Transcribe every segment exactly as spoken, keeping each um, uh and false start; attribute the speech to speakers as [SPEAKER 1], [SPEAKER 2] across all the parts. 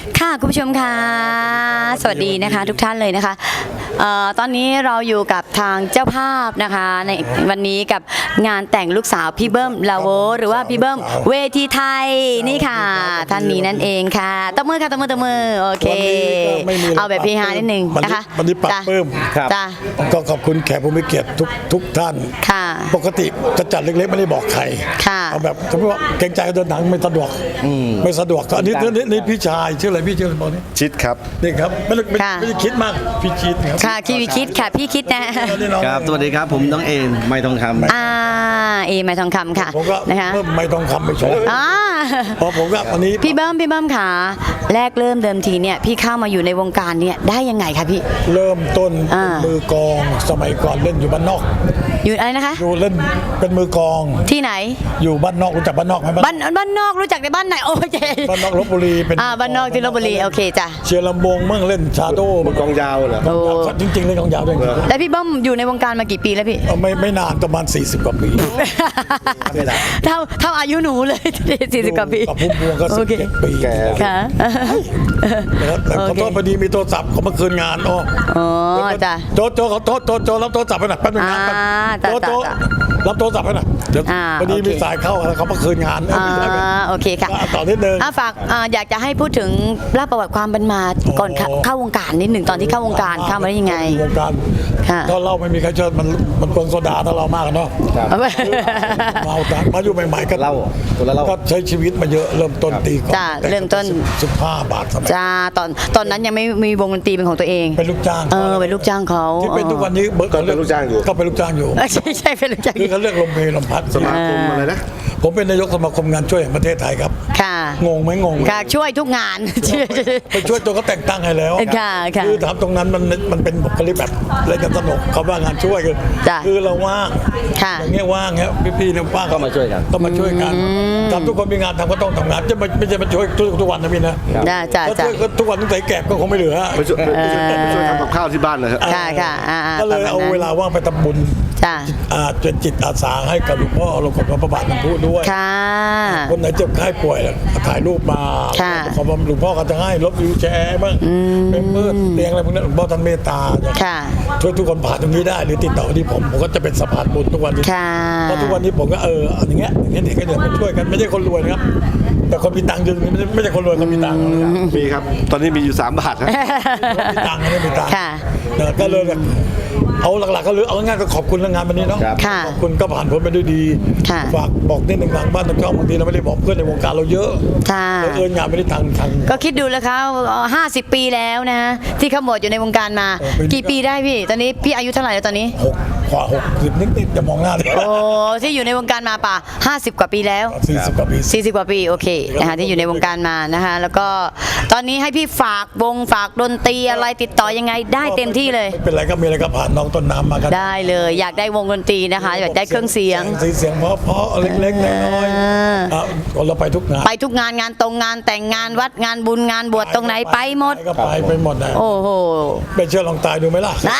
[SPEAKER 1] ค่ะคุณผู้ชมค่ะสวัสดีนะคะทุกท่านเลยนะคะเอ่อตอนนี้เราอยู่กับทางเจ้าภาพนะคะในวันนี้กับงานแต่งลูกสาวพี่เบิ้มลาโวหรือว่าพี่เบิ้มเวทีไทยนี่ค่ะท่านนี้นั่นเองค่ะตบมือค่ะตบมือตบมือโอเคเอาแบบพีฮานิดนึงนะคะ
[SPEAKER 2] วันนี้ปรับเพิ่ม
[SPEAKER 1] จ้า
[SPEAKER 2] ก็ขอบคุณแขกผู้มีเกียรติทุกทุกท่าน
[SPEAKER 1] ค่ะ
[SPEAKER 2] ปกติจะจัดเล็กๆไม่ได้บอกใคร
[SPEAKER 1] ค่ะ
[SPEAKER 2] เอาแบบสมมติว่าเกรงใจเดินหนังไม่สะดวกไม่สะดวกอันนี้นี่นี่พี่ชายชื่ออะไรพี่ชื่ออะไรบอกนี่
[SPEAKER 3] ชิดครับ
[SPEAKER 2] นี่ครับไม่ได้ไม่
[SPEAKER 1] ค่ะ
[SPEAKER 2] ไม่ได้คิดมากพี่ชิดครับ
[SPEAKER 1] ค่ะคีวีคิดค่ะพี่คิดนะ
[SPEAKER 2] นี่น้อง
[SPEAKER 3] ครับ สวัสดีครับ ผมน้องเอ็นไม่ทองคำ
[SPEAKER 1] อ่าเอไม้ทองคำค่ะ
[SPEAKER 2] ผมก็
[SPEAKER 1] นะคะ
[SPEAKER 2] เพิ่มไม่ต้องคำไปโชว์
[SPEAKER 1] อ่า
[SPEAKER 2] เพราะผมก็วันนี้
[SPEAKER 1] พี่เบิ้มพี่เบิ้มค่ะแรกเริ่มเดิมทีเนี่ยพี่เข้ามาอยู่ในวงการเนี่ยได้ยังไงคะพี่
[SPEAKER 2] เริ่มต้น
[SPEAKER 1] อ่า
[SPEAKER 2] เป็นมือกลองสมัยก่อนเล่นอยู่บ้านนอก
[SPEAKER 1] อยู่อะไรนะคะ
[SPEAKER 2] อยู่เล่นเป็นมือกลอง
[SPEAKER 1] ที่ไหน
[SPEAKER 2] อยู่บ้านนอกรู้จักบ้านนอกไหมบ้าน
[SPEAKER 1] บ้านบ้านนอกรู้จักในบ้านไหนโอเค
[SPEAKER 2] บ้านนอกลบบุรีเป็น
[SPEAKER 1] อ่าบ้านนอกที่ลบบุรีโอเคจ้ะ
[SPEAKER 2] เชียร์ลำวงเมื่อเล่นชาโดว์
[SPEAKER 3] กองยาวเหรอ
[SPEAKER 1] โอ้
[SPEAKER 2] จริงๆเล่นกองยาวด้วย
[SPEAKER 1] แล้วพี่เบิ้มอยู่ในวงการมากี่ปีแล้วพี่
[SPEAKER 2] เอาไม่ไม่นานประมาณสี่สิบกว่าปี
[SPEAKER 1] เท่าเท่าอายุหนูเลยสี่สิบกว่าปี
[SPEAKER 2] กับพุ่มพวงก็
[SPEAKER 1] โอ
[SPEAKER 2] สิบ
[SPEAKER 1] เค
[SPEAKER 2] เจ็ดปี
[SPEAKER 1] ค่ะ
[SPEAKER 2] นะครับแต่ขอ
[SPEAKER 1] โอเค
[SPEAKER 2] โทษพอดีมีโทรศัพท์เขามาคืนงานอ๋อ
[SPEAKER 1] อ๋อจ้ะ
[SPEAKER 2] โจโจขอโทษโจโจรับโทรศัพท์ไปหน่อยแป๊บนึงนะ
[SPEAKER 1] อ่า
[SPEAKER 2] แป๊บ
[SPEAKER 1] จ้ะ
[SPEAKER 2] โจโจ
[SPEAKER 1] จ้ะ
[SPEAKER 2] รับโทรศัพท์ไปหน่อยเดี๋ยว
[SPEAKER 1] อ่า
[SPEAKER 2] พอดี
[SPEAKER 1] โอเค
[SPEAKER 2] มีสายเข้าแล้วเขามาคืนงานเอ้ย
[SPEAKER 1] อ่า
[SPEAKER 2] ไม่ใช่ไหม
[SPEAKER 1] โอเคค่ะ
[SPEAKER 2] ก็ต่อนิดนึง
[SPEAKER 1] อ่ะฝากอ่าอยากจะให้พูดถึงเล่าประวัติความเป็นมาก่อนเข้า
[SPEAKER 2] อ๋อ
[SPEAKER 1] เข้าวงการนิดหนึ่งตอนที่เข้าวงการเข้ามาได้ยังไง
[SPEAKER 2] วงการ
[SPEAKER 1] ค่ะ
[SPEAKER 2] ถ้าเราไม่มีใครเชิญมันมันเปลืองโซดาถ้าเรามากอะเนาะ เมาแต่มาอยู่ใหม่ๆก็
[SPEAKER 3] เหล้าคนละเหล้า
[SPEAKER 2] ก็ใช้ชีวิตมาเยอะเริ่มต้นตีก่อน
[SPEAKER 1] จ้ะเริ่มต้น
[SPEAKER 2] สิบห้าบาทสมัย
[SPEAKER 1] จ้าตอนตอนนั้นยังไม่มีวงดนตรีเป็นของตัวเอง
[SPEAKER 2] เป็นลูกจ้าง
[SPEAKER 1] เออเป็นลูกจ้างเขา
[SPEAKER 2] ที่เป็นทุกวันนี้เบิร์
[SPEAKER 3] ก็เป็นลูกจ้างอยู่
[SPEAKER 2] ก็เป็นลูกจ้างอยู่
[SPEAKER 1] เออใช่ใช่เป็นลูกจ้าง
[SPEAKER 2] คือเขาเรียกลมเพลลมพัด
[SPEAKER 3] สมาคมอะไรนะ
[SPEAKER 2] ผมเป็นนายกสมาคมงานช่วยแห่งประเทศไทยครับ
[SPEAKER 1] ค่ะ
[SPEAKER 2] งงไหมงงไหม
[SPEAKER 1] ค่ะช่วยทุกงาน ช่วย
[SPEAKER 2] ไปช่วยตัวเขาแต่งตั้งให้แล้ว
[SPEAKER 1] ค่ะค่ะ
[SPEAKER 2] คือถามตรงนั้นมันมันเป็นบุคลิกแบบเล่นกันสนุกเขาว่างานช่วยคือ
[SPEAKER 1] จ้ะ
[SPEAKER 2] คือเราว่าง
[SPEAKER 1] ค่ะ
[SPEAKER 2] อย่างเงี้ยว่างเงี้ยพี่ๆเนี่ยว่าง
[SPEAKER 3] ก็มาช่วยกัน
[SPEAKER 2] ก็มาช่วยกันทำทุกคนมีงานทำก็ต้องทำงานจะไม่ไม่ใช่มาช่วยทุกวันนะพี่นะ
[SPEAKER 1] จ้าจ้า
[SPEAKER 2] ถ้า
[SPEAKER 1] จ้า
[SPEAKER 2] ช่วยทุกวันตั้งแต่แก่ก็คงไม่เหลือ
[SPEAKER 3] ไปช่วยไปช่วยไปช่วยทำกับข้าวที่บ้านเลยครับ
[SPEAKER 1] ค่ะค่ะอ่าๆ
[SPEAKER 2] ก็เลย
[SPEAKER 1] ประมณ
[SPEAKER 2] เอา
[SPEAKER 1] นั้น
[SPEAKER 2] เวลาว่างไปทำบุญ
[SPEAKER 1] จ้า
[SPEAKER 2] อ่าเป็นจิตอาสาให้กับหลวงพ่อหลวงพ่อพระบาทน้ำพุด้วย
[SPEAKER 1] ค่ะ
[SPEAKER 2] คนไหนเจ็บไข้ป่วยแล้วถ่ายรูปมา
[SPEAKER 1] ค่ะ
[SPEAKER 2] ขอบอกหลวงพ่อก็จะให้รถวิวแชร์บ้างเป็นเพื่อนเตียงอะไรพวกนั้นหลวงพ่อท่านเมตตา
[SPEAKER 1] ค่ะ
[SPEAKER 2] ช่วยทุกคนผ่านตรงนี้ได้หรือติดต่อที่ผมผมก็จะเป็นสะพานบุญทุกวันนี้
[SPEAKER 1] ค่ะ
[SPEAKER 2] เพราะทุกวันนี้ผมก็เอออย่างเงี้ยอย่างเงี้ยเด็กก็เดี๋ยวมาช่วยกันไม่ใช่คนรวยนะครับ แต่คนมีตังค์จริงไม่ใช่ไม่ใช่คนรวยคนมีตังค์นะครับ
[SPEAKER 3] มีครับ ตอนนี้มีอยู่สามบาทครับ
[SPEAKER 2] คนมีตังค์ไม่มีตังค์
[SPEAKER 1] ค่ะ
[SPEAKER 2] เนอะก็เลยแบบเอาหลักๆก็เลยเอาง่ายๆก็ขอบคุณเรื่องงานวันนี้เนาะ
[SPEAKER 3] ครับ
[SPEAKER 1] ค่ะ
[SPEAKER 2] ขอบคุณก็ผ่านพ้นไปด้วยดี
[SPEAKER 1] ค่ะ
[SPEAKER 2] ฝากบอกนิดหนึ่งทางบ้านทางช่องบางทีเราไม่ได้บอกเพื่อนในวงการเราเยอะ
[SPEAKER 1] ค่ะ
[SPEAKER 2] เราเอิญงานไม่ได้ทางทาง
[SPEAKER 1] ก็คิดดูแล้วเขาห้าสิบปีแล้วนะ ที่เขาหมดอยู่ในวงการมา
[SPEAKER 2] โอ้เป็น
[SPEAKER 1] กี่ปีได้พี่ ตอนนี้พี่อายุเท่าไหร่แล้วตอนนี้
[SPEAKER 2] หกกว่าหกสิบนิดๆจะมองหน้าเลย
[SPEAKER 1] โอ้ที่อยู่ในวงการมาป่ะห้าสิบกว่าปีแล้ว
[SPEAKER 2] สี่สิบกว่าปี
[SPEAKER 1] สี่สิบกว่าปีโอเคนะคะที่อยู่ในวงการมานะคะ แล้วก็ตอนนี้ให้พี่ฝากวงฝากดนตรีอะไรติดต่อยังไงได้เต็มที่เลย
[SPEAKER 2] ไม่เป็นไรก็มีอะไรก็ผ่านน้องต้นน้ำมากัน
[SPEAKER 1] ได้เลยอยากได้วงดนตรีนะคะ อยากได้เครื่องเสียง
[SPEAKER 2] สีเสียงเพราะเพราะๆเล็กๆน้อย
[SPEAKER 1] อ่า
[SPEAKER 2] ๆอ่ะเราไปทุกงาน
[SPEAKER 1] ไปทุกงานงานตรงงานแต่งงานวัดงานบุญงานบวชตรงไหนไปหมด
[SPEAKER 2] ก็ไปไปหมดนะ
[SPEAKER 1] โอ้โห
[SPEAKER 2] ไม่เชื่อลองตายดูไหมล่ะ
[SPEAKER 1] อ่า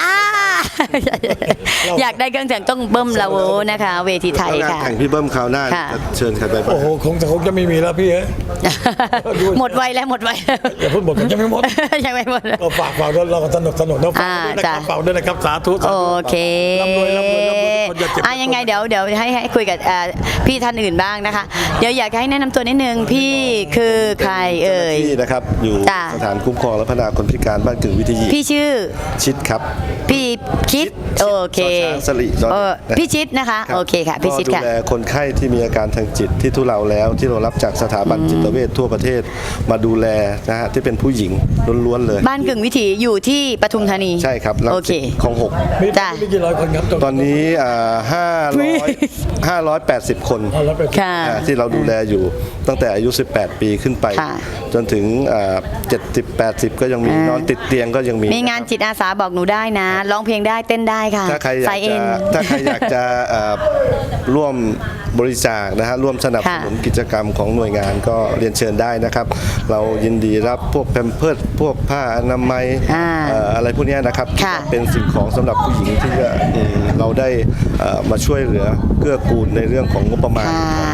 [SPEAKER 1] อยากได้เครื่องเสียงต้องเบิ้มลาโวนะคะ เวทีไทย
[SPEAKER 3] แล้วงาน
[SPEAKER 1] ค่ะ
[SPEAKER 3] แข่งพี่เบิ้มคราวหน้า
[SPEAKER 1] ค่ะ
[SPEAKER 3] จะเชิญใครไปบ้าง
[SPEAKER 2] โอ้โหคงจะคงจะไม่มีแล้วพี่เอ้ย
[SPEAKER 1] หมดไวแล้วหมดไวแล้ว
[SPEAKER 2] อย่าพูดหมดมันยังไม่หมด
[SPEAKER 1] ยังไม่หมด
[SPEAKER 2] เราฝากฝากด้วยเราก็สนุกสนุกนะฝาก
[SPEAKER 1] อ่า
[SPEAKER 2] ด้วยนะ
[SPEAKER 1] จ้ะ
[SPEAKER 2] ครับฝากด้วยนะครับสาธุสา
[SPEAKER 1] โอ
[SPEAKER 2] ธุ
[SPEAKER 1] เค
[SPEAKER 2] ร่ำรวยร่ำรวยร่ำรวยทุกคนอย่าเจ็บ
[SPEAKER 1] อ่ะยังไงเดี๋ยวเดี๋ยวให้ให้คุยกับอ่าพี่ท่านอื่นบ้างนะคะ เดี๋ยวอยากให้แนะนำตัวนิดนึงพี่คือใครเอ่ย
[SPEAKER 3] ที่นะครับ อยู่
[SPEAKER 1] จ้ะ
[SPEAKER 3] สถานคุ้มครองและพัฒนาคนพิการบ้านกึ่งวิทยี
[SPEAKER 1] พี่ชื่อ
[SPEAKER 3] ชิดครับ
[SPEAKER 1] พี่คิดโอเค
[SPEAKER 3] ชอช้างสลิดอน
[SPEAKER 1] เออพี่ชิดนะคะ
[SPEAKER 3] รับ
[SPEAKER 1] โอเคค่ะพี่ชิด
[SPEAKER 3] ก็
[SPEAKER 1] ค่ะ
[SPEAKER 3] ดูแลคนไข้ที่มีอาการทางจิตที่ทุเลาแล้ว ที่เรารับจากสถาบันจิตเวชทั่วประเทศมาดูแลนะฮะที่เป็นผู้หญิงล้วนๆเลย
[SPEAKER 1] บ้านกึ่งวิถีอยู่ที่ปทุมธานี
[SPEAKER 3] ใช่ครับรัง
[SPEAKER 1] โอเค
[SPEAKER 3] สิตคลองหก
[SPEAKER 2] มี
[SPEAKER 1] จ้ะ
[SPEAKER 2] มีกี่ร้อยคนครับ
[SPEAKER 3] ตอนนี้ห้าร้อยห้าร้อยแปดสิบคน
[SPEAKER 2] เอาแล้วไป
[SPEAKER 1] ค่ะ
[SPEAKER 3] อ่าที่เราดูแลอยู่ตั้งแต่อายุ สิบแปด ปีขึ้นไป
[SPEAKER 1] ค่ะ
[SPEAKER 3] จนถึงเจ็ดสิบ แปดสิบ ก็ยังมี
[SPEAKER 1] อ่าน
[SPEAKER 3] นอนติดเตียงก็ยังมี
[SPEAKER 1] มีงานจิตอาสาบอกหนูได้นะร้องเพลงได้เต้นได้ค่ะ
[SPEAKER 3] ถ้าใครอยา
[SPEAKER 1] ใส่
[SPEAKER 3] ก
[SPEAKER 1] เอ
[SPEAKER 3] จะ
[SPEAKER 1] ง
[SPEAKER 3] ถ้าใครอยากจะเอ่อร่วมบริจาคนะฮะร่วมสนับสนุน
[SPEAKER 1] ค่ะ
[SPEAKER 3] กิจกรรมของหน่วยงานก็เรียนเชิญได้นะครับ เรายินดีรับพวกแพมเพิร์สพวกผ้าอนามัย
[SPEAKER 1] อ่า
[SPEAKER 3] เอ่ออะไรพวกเนี้ยนะครับ
[SPEAKER 1] ค่ะ
[SPEAKER 3] เป็นสิ่งของสำหรับผู้หญิงที่จะอืมเราได้เอ่อมาช่วยเหลือเกื้อกูลในเรื่องของงบประมาณ
[SPEAKER 1] ค่ะ
[SPEAKER 3] เอ่อ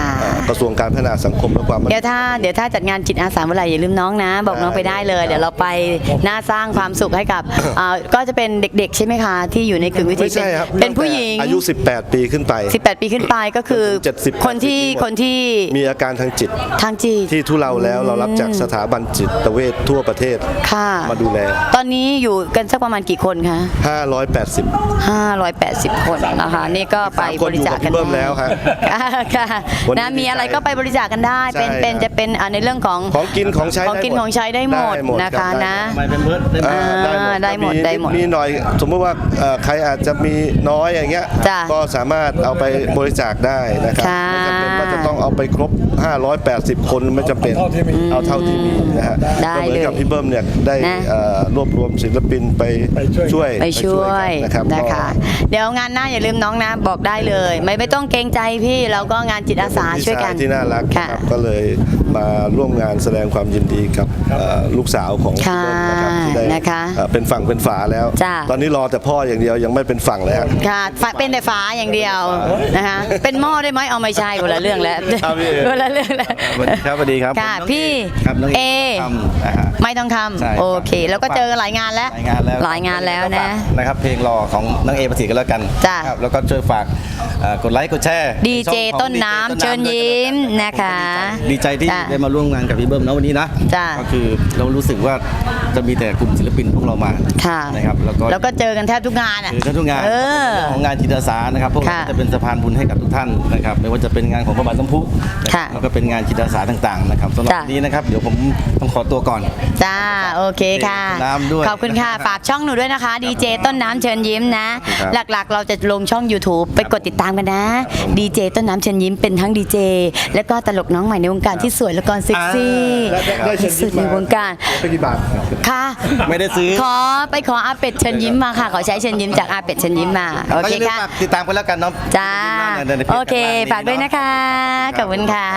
[SPEAKER 3] กระทรวงการพัฒนาสังคมและความมั่น
[SPEAKER 1] เดี๋ยวถ้าเดี๋ยวถ้าจัดงานจิตอาสาเมื่อไหร่อย่าลืมน้องนะ บอกน้องไปได้เลย เดี๋ยวเราไปน่าสร้างความสุขให้กับอ่าก็จะเป็นเด็กๆใช่ไหมคะที่อยู่ในกึ่งวิถี
[SPEAKER 3] ไม่ใช่ครับ
[SPEAKER 1] เป็นเป็นผู้หญิง
[SPEAKER 3] อายุ สิบแปด ปีขึ้นไป
[SPEAKER 1] สิบแปด ปีขึ้นไปก็คือ
[SPEAKER 3] เจ็ดสิบ
[SPEAKER 1] คนที่
[SPEAKER 3] แปดสิบ
[SPEAKER 1] คนที่
[SPEAKER 3] มีอาการทางจิต
[SPEAKER 1] ทางจิต
[SPEAKER 3] ที่ทุเลาแล้วเรารับจากสถาบันจิตเวชทั่วประเทศ
[SPEAKER 1] ค่ะ
[SPEAKER 3] มาดูแล
[SPEAKER 1] ตอนนี้อยู่กันสักประมาณกี่คนคะ
[SPEAKER 3] ห้าร้อยแปดสิบ
[SPEAKER 1] ห้าร้อยแปดสิบ คนนะคะนี่ก็ไป
[SPEAKER 3] สามคน
[SPEAKER 1] บริจาคกัน
[SPEAKER 3] อยู่กับพี่เบิ้มแล้วฮะ
[SPEAKER 1] ค่ะค่ะ
[SPEAKER 3] วันนี้
[SPEAKER 1] นะมีอะไรก็ไปบริจาคกันได้ เป็น
[SPEAKER 3] ใช่
[SPEAKER 1] เป็น
[SPEAKER 3] ครับ
[SPEAKER 1] จะเป็นอ่าในเรื่องของ
[SPEAKER 3] ของกินของใช้
[SPEAKER 1] ของกิน
[SPEAKER 3] ได้หมด
[SPEAKER 1] ของใช้ได้หมด
[SPEAKER 3] ได้หมด
[SPEAKER 1] นะ
[SPEAKER 3] ครั
[SPEAKER 1] คะ
[SPEAKER 3] บ
[SPEAKER 1] นะ
[SPEAKER 4] ไม่เป็นเพื่อนได้ไหม
[SPEAKER 3] อ่า
[SPEAKER 1] ได้หมดได้หมด
[SPEAKER 3] มีหน่อยสมมติว่าเอ่อใครอาจจะมีน้อยอย่างเงี้ย
[SPEAKER 1] จ้ะ
[SPEAKER 3] ก็สามารถเอาไปบริจาคได้นะครับ
[SPEAKER 1] ค่ะ
[SPEAKER 3] ไม่จำเป็นว่าจะต้องเอาไปครบ ห้าร้อยแปดสิบ คนไม่จำเป็น
[SPEAKER 2] เอาเท่าที่มี
[SPEAKER 3] เอาเท่าที่มีนะฮะ
[SPEAKER 1] ได้
[SPEAKER 3] ก็เหมือนกับ
[SPEAKER 1] เลย
[SPEAKER 3] พี่เบิ้มเนี่ยได้
[SPEAKER 1] นะ
[SPEAKER 3] เอ่อรวบรวมศิลปินไป
[SPEAKER 2] ไปช่วย
[SPEAKER 1] ไปช่วย
[SPEAKER 3] กันนะครับ
[SPEAKER 1] นะคะ
[SPEAKER 3] ก็
[SPEAKER 1] เดี๋ยวงานหน้าอย่าลืมน้องนะบอกได้เลย ไม่ไม่ต้องเกรงใจพี่เราก็งานจิตอาสาช่วยกัน
[SPEAKER 3] พี่ชที่น่ารัก
[SPEAKER 1] ค่ะ
[SPEAKER 3] ครับก็เลยมาร่วมงานแสดงความยินดีกับเอ่อลูกสาวของ
[SPEAKER 1] ค่ะ
[SPEAKER 3] พี่เบิ้มนะครับที่ได้
[SPEAKER 1] นะคะ
[SPEAKER 3] เอ่อเป็นฝั่งเป็นฝาแล้ว
[SPEAKER 1] จ้ะ
[SPEAKER 3] ตอนนี้รอแต่พ่ออย่างเดียวยังไม่เป็นฝั่งเลยฮะ
[SPEAKER 1] ค่ะฝาเป็นแต่ฝาอย่างเดียวนะคะเป็นหม้อได้ไหมเอาไม่ใช่คนละเรื่องแล้ว
[SPEAKER 3] ครับพี่
[SPEAKER 1] คนละเรื่องแล้ว
[SPEAKER 4] สวัสดีครับสวัสดีครับ
[SPEAKER 1] ค่ะ
[SPEAKER 4] ผมน้อง
[SPEAKER 1] พี่
[SPEAKER 4] ครับน้อง
[SPEAKER 1] เอ
[SPEAKER 4] ทำนะฮะ
[SPEAKER 1] ไม่ต้องท
[SPEAKER 4] ใช่
[SPEAKER 1] ำโอเค แล้วก็เจอกันหลายงานแล้ว
[SPEAKER 4] หลายงานแล้ว
[SPEAKER 1] หลายงานแล้วนะ
[SPEAKER 4] นะครับเพลงรอของน้องเอประสิทธิ์กันแล้วกัน
[SPEAKER 1] จ้ะ
[SPEAKER 4] ครับแล้วก็ช่วยฝากเอ่อกดไลค์กดแชร์
[SPEAKER 1] ดีเจ
[SPEAKER 4] ช่องของ
[SPEAKER 1] ต้นน้ำ
[SPEAKER 4] ดีจ
[SPEAKER 1] เชิญยิ้มนะคะ
[SPEAKER 4] ดีใจที่
[SPEAKER 1] จ้ะ
[SPEAKER 4] ได้มาร่วมงานกับพี่เบิ้มนะวันนี้นะ
[SPEAKER 1] จ้ะ
[SPEAKER 4] ก็คือเรารู้สึกว่าจะมีแต่กลุ่มศิลปินพวกเรามา
[SPEAKER 1] ค่ะ
[SPEAKER 4] นะครับแล้วก็
[SPEAKER 1] แล้วก็เจอกันแทบทุกงานอ่ะ
[SPEAKER 4] คือทุกงาน
[SPEAKER 1] เออ
[SPEAKER 4] เรื่องของงานจิตอาสานะครับพวกเรา
[SPEAKER 1] ค่ะ
[SPEAKER 4] จะเป็นสะพานบุญให้กับทุกท่านนะครับไม่ว่าจะเป็นงานของพระบาทสมภุนะค
[SPEAKER 1] ค่ะ
[SPEAKER 4] รับแล้วก็เป็นงานจิตอาสาต่างๆนะครับสำหรับ
[SPEAKER 1] จ้ะ
[SPEAKER 4] วันนี้นะครับเดี๋ยวผมต้องขอตัวก่อน
[SPEAKER 1] จ้าโอเคค่ะ
[SPEAKER 4] น้ำด้วย
[SPEAKER 1] ขอบคุณค่ะ ฝากช่องหนูด้วยนะคะดีเจต้นน้ำเชิญยิ้มนะ
[SPEAKER 4] ครับ
[SPEAKER 1] หลักๆ เราจะลงช่อง YouTube ไปกดติดตามกันนะดีเจต้นน้ำเชิญยิ้มเป็นทั้งดีเจและก็ตลกน้องใหม่ในวงการที่สวยและก็เซ็กซี่
[SPEAKER 3] ได้ได้ได้เชิญ
[SPEAKER 1] ที่
[SPEAKER 3] ยิ้
[SPEAKER 1] สุ
[SPEAKER 3] ม
[SPEAKER 1] ด
[SPEAKER 3] มา
[SPEAKER 1] ในวงการ
[SPEAKER 3] ไปกี่บาท
[SPEAKER 1] ค่ะ
[SPEAKER 4] ไม่ได้ซื้อ
[SPEAKER 1] ขอไปขออาเป็ดเชิญยิ้มมาค่ะ ขอใช้เชิญยิ้มจากอาเป็ดเชิญยิ้มมาโอเค
[SPEAKER 4] ก็ย่าลืม
[SPEAKER 1] ค่ะ
[SPEAKER 4] ฝากติดตามกันแล้วกันเนาะ
[SPEAKER 1] จ้า
[SPEAKER 4] ในในพจ
[SPEAKER 1] โอเค
[SPEAKER 4] ข้งล่ง
[SPEAKER 1] ฝากด้วยนะคะขอบคุณค่ะ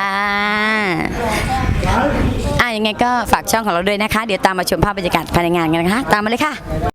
[SPEAKER 1] อ่ะยังไงก็ฝากช่องของเราด้วยนะคะ เดี๋ยวตามมาชมภาพบรรยากาศภายในงานกันนะคะ ตามมาเลยค่ะ